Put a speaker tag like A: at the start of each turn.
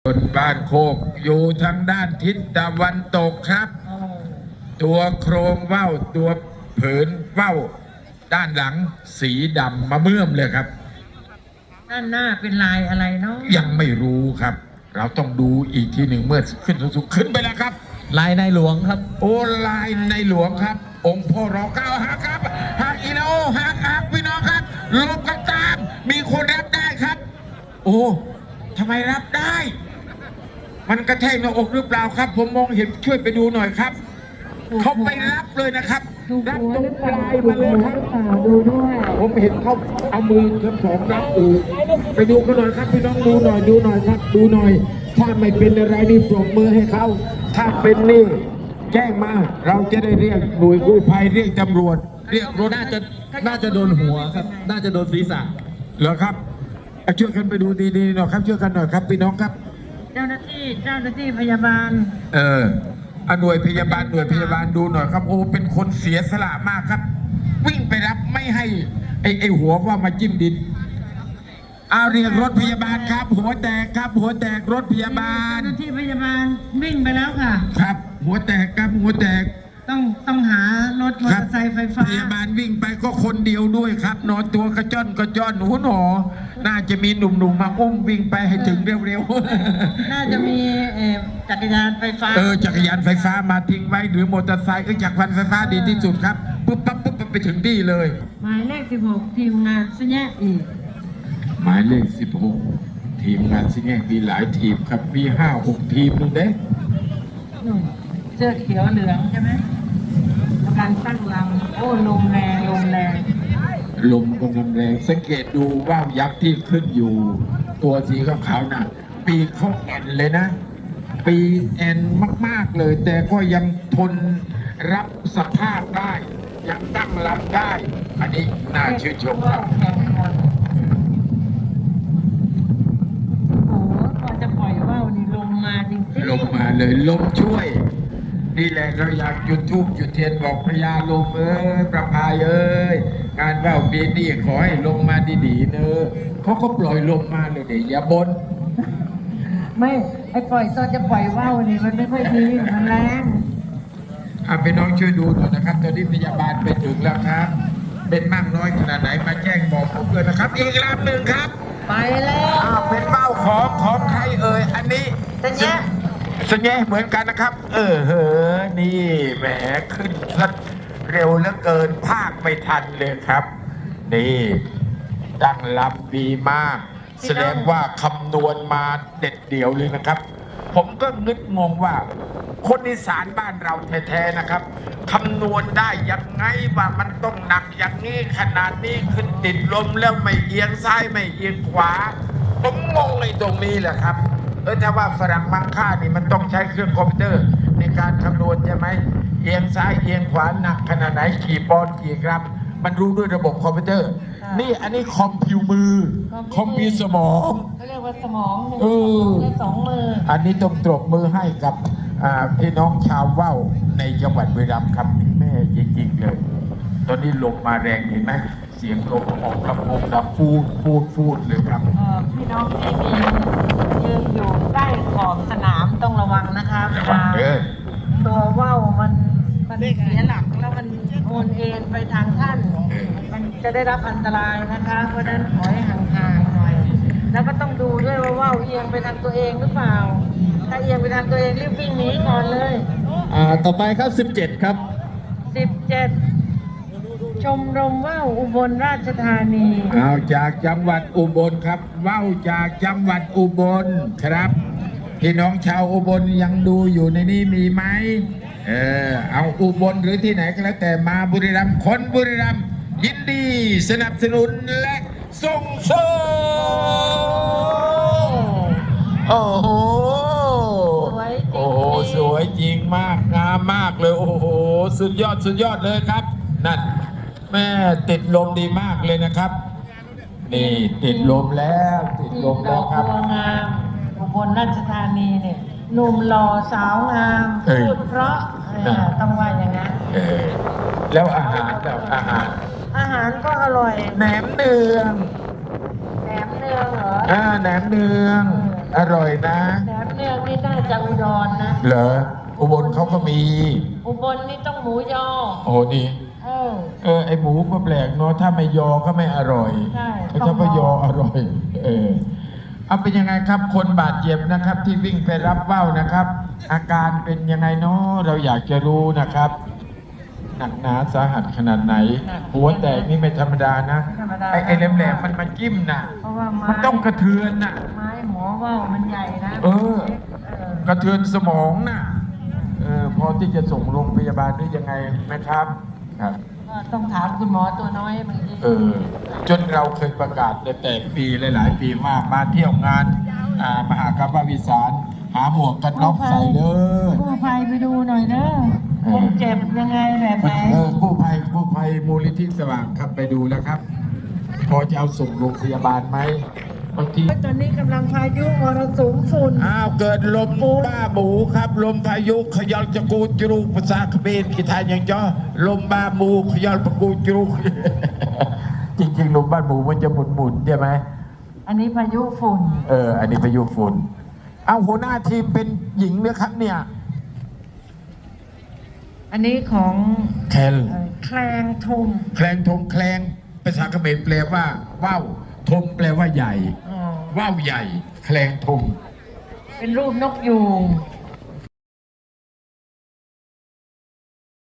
A: บ้านโคกอยู่ทางด้านทิศตะวันตกครับ ตัวโครงว่าวตัวผืนว่าวด้านหลังสีดำมะเมื่อมเลยครับ
B: ด้านหน้าเป็นลายอะไรเนาะ
A: ยังไม่รู้ครับ เราต้องดูอีกทีหนึ่งเมื่อขึ้นสูงขึ้นไปแล้วครับ
C: ลายในหลวงครับ
A: โอ้ลายในหลวงครับองค์พ่อรอเก้าฮักครับฮักอีโนฮักพี่น้องครับลงกันตามมีคนรับได้ครับโอ้ทำไมรับได้มันกระแทกหน้าอกหรือเปล่าครับผมมองเห็นช่วยไปดูหน่อยครับเขาไปรับเลยนะครับรับตรงปลายมาเลยครับ
B: ดูด้วย
A: ผมเห็นเขาเอามือทั้งสองรับอูไปดูกันหน่อยครับพี่น้องดูหน่อยครับดูหน่อยถ้าไม่เป็นอะไรนี่ปรบมือให้เขาถ้าเป็นนี่แจ้งมาเราจะได้เรียกหน่วยกู้ภัยเรียกตำรวจเรียกรถ
C: น่าจะโดนหัวครับน่าจะโดนศีรษะ
A: เหรอครับช่วยกันไปดูดีๆหน่อยครับช่วยกันหน่อยครับพี่น้องครับ
B: เจ้าหน้าที่พยาบาล
A: หน่วยพยาบาลดูหน่อยครับโอ้เป็นคนเสียสละมากครับวิ่งไปรับไม่ให้ไอ้หัวว่ามาจิ้มดินเรียกรถพยาบาลครับหัวแตกครับหัวแตกรถพยาบาล
B: เจ้าหน้าที่พยาบาลวิ่งไปแล้วค่ะ
A: ครับหัวแตกครับหัวแตก
B: ต้องหารถมอเตอร์ไซค์ไฟฟ้า
A: พยาบาลวิ่งไปก็คนเดียวด้วยครับนอนตัวกระจ้อนหนูน่าจะมีหนุ่มๆมาอุ้มวิ่งไปให้ถึงเร็ว
B: ๆน่าจะมีจักรยานไฟฟ้า
A: จักรยานไฟฟ้ามาทิ้งไว้หรือมอเตอร์ไซค์จักรยานไฟฟ้าดีที่สุดครับปุ๊บไปถึงที่เลย
B: หมายเลข16ทีมงานซิแง่อีก
A: หมายเลข16ทีมงานซิแง่มีหลายทีมครับมี5-6ทีมนู่นเด้
B: เสื้อเขียวเหลืองใช่ไหมการตั้งลำโอ้ลมแรง
A: ลมกำลังแรงสังเกตดูว่าวยักษ์ที่ขึ้นอยู่ตัวสีขาวๆน่ะปีกเขาแอนเลยนะปีแอนมากๆเลยแต่ก็ยังทนรับสภาพได้ยังตั้งลำได้อันนี้น่าชื่นชมครับ
B: โอ้โหพอจะปล่อยว่าวนี่ลมมาจริงๆ
A: ลมมาเลยลมช่วยนี่แหละเราอยากจุดธูปจุดเทียนบอกพญาลมประพายงานว่าวปีนี้ขอให้ลงมาดีๆเนอะเขาก็ปล่อยลมมาเลยเดี๋ยวอย่าบน
B: ไม่ไอ้ปล่อยตอนจะปล่อยว่าวนี่มันไม่ค่อยดีมันแรง
A: พี่น้องช่วยดูหน่อยนะครับตอนนี้พยาบาลไปถึงแล้วครับเป็นมากน้อยขนาดไหนมาแจ้งบอกผมเลยนะครับอีกลำหนึ่งครับ
B: ไปแล้ว
A: เป็นว่าวของใครอันนี้สัญญาเหมือนกันนะครับนี่แหมขึ้นสักเร็วเหลือเกินภาคไม่ทันเลยครับนี่ตั้งลำดีมากแสดงว่าคำนวณมาเด็ดเดี่ยวเลยนะครับผมก็นึกงงว่าคนอีสานบ้านเราแท้ๆนะครับคำนวณได้ยังไงว่ามันต้องหนักอย่างนี้ขนาดนี้ขึ้นติดลมแล้วไม่เอียงซ้ายไม่เอียงขวาผมงงในตรงนี้แหละครับถ้าว่าฝรั่งมังค่านี่มันต้องใช้เครื่องคอมพิวเตอร์ในการคำนวณใช่ไหมเอียงซ้ายเอียงขวาหนักขนาดไหนกี่ปอนด์กี่กรัมมันรู้ด้วยระบบคอมพิวเตอร์นี่อันนี้คอมพิวมือคอมพิวสมอง
B: เขาเรียกว่าสมอง2 มือ
A: อันนี้ต้องตบมือให้กับพี่น้องชาวว่าวในจังหวัดบุรีรัมย์ครับแม่จริงๆเลยตอนนี้ลมมาแรงเห็นไหมเสียงลมออกลำโพงดังฟูดเลยครับ
B: พี่น้องที่ยืนอยู่ใกล้ขอบสนามต้องระวังนะคะตัวว่าวมันเสียหลักแล้วมันโอนเอ็นไปทางท่านมันจะได้รับอันตรายนะคะเพราะฉะนั้นขอให้ห่างๆหน่อยแล้วก็ต้องดูด้วยว่าว่าวเอียงไปทางตัวเองหรือเปล่าถ้าเอียงไปทางตัวเองรีบวิ่งหนีก่อนเลย
C: ต่อไปครับ17ครับ
B: 17ชมรมว่าวอุบลราชธานี
A: จากจังหวัดอุบลครับว่าวจากจังหวัดอุบลครับพี่น้องชาวอุบลยังดูอยู่ในนี้มีไหมเอาอุบลหรือที่ไหนก็แล้วแต่มาบุรีรัมย์คนบุรีรัมย์ยินดีสนับสนุนและส่งเสริมโอ้โหสวยจริงมากงามมากเลยโอ้โหสุดยอดเลยครับนั่นแม่ติดลมดีมากเลยนะครับนี่ติดลมแล้วครับ
B: งามอุบลราชธานีเนี่ยหนุ่มหล่อสาวงามพูดเพราะต้องว่าอย่างนั้น
A: แล้วอาหาร
B: ก็อร่อย
A: แหนมเนือง
B: เหรอ
A: แหนมเนือง
B: แ
A: อร่อยนะ
B: แหนมเนืองนี่น่าจะอุดรนะ
A: เหรออุบลเขาก็มี
B: อุบลนี่ต้องหมูยอ
A: โอ้นี่ ไอหมูก็แปลกเนาะถ้าไม่ยอก็ไม่อร่อย
B: ใช่
A: แต่ถ้าไม่ยออร่อย เอาเป็นยังไงครับ คนบาดเจ็บนะครับ ที่วิ่งไปรับว่าวนะครับ อาการเป็นยังไงเนาะเราอยากจะรู้นะครับ หนักหนาสาหัสขนาดไหน หัวแตกนี่ไม่ธรรมดานะ ไอ้แหลมๆมันมาจิ้มนะ
B: เพราะว่าไม้
A: มันต้องกระเทือนนะ
B: ไม้หมอว่าวมันใหญ่นะ
A: เออ กระเทือนสมองนะพอที่จะส่งโรงพยาบาลได้ยังไงนะครับครับ
B: ก็ต้องถามคุณหมอตัวน้อยบางที
A: จนเราเคยประกาศแต่ปีหลายๆปีมากมาเที่ยวงานมหากรรมวิสารหาหมวกกันน็อกใส่เลย
B: กู้ภัยไปดูหน่อยเนอะคนเจ็บยังไงแบบไหน
A: กู้ภัยมูลนิธิสว่างครับไปดูแล้วครับ พอจะเอาส่งโรงพยาบาลไหมบางที
B: ตอนนี้กำลังพายุมรสุมฝุ่น
A: เกิดลมบ้าหมูครับ ลมพายุขยอลจะกูจรูกภาษาเขมรกีไทยอย่างจ้อลมบ้าหมูขยอลปะกูจรูก จริงๆลมบ้านหมูมันจะหมุนใช่ไหม
B: อันนี้พายุฝุ่น
A: อันนี้พายุฝุ่นเอาหัวหน้าทีมเป็นหญิงนะครับเนี่ย
B: อันนี้ของ
A: แคล
B: แคลงทม
A: แคลงทงแคลงภาษาเขมรแปลว่าว่าวทงแปลว่าใหญ่
B: อ๋อ
A: ว่าวใหญ่ แคลงทง
B: เป็นรูปนกยูง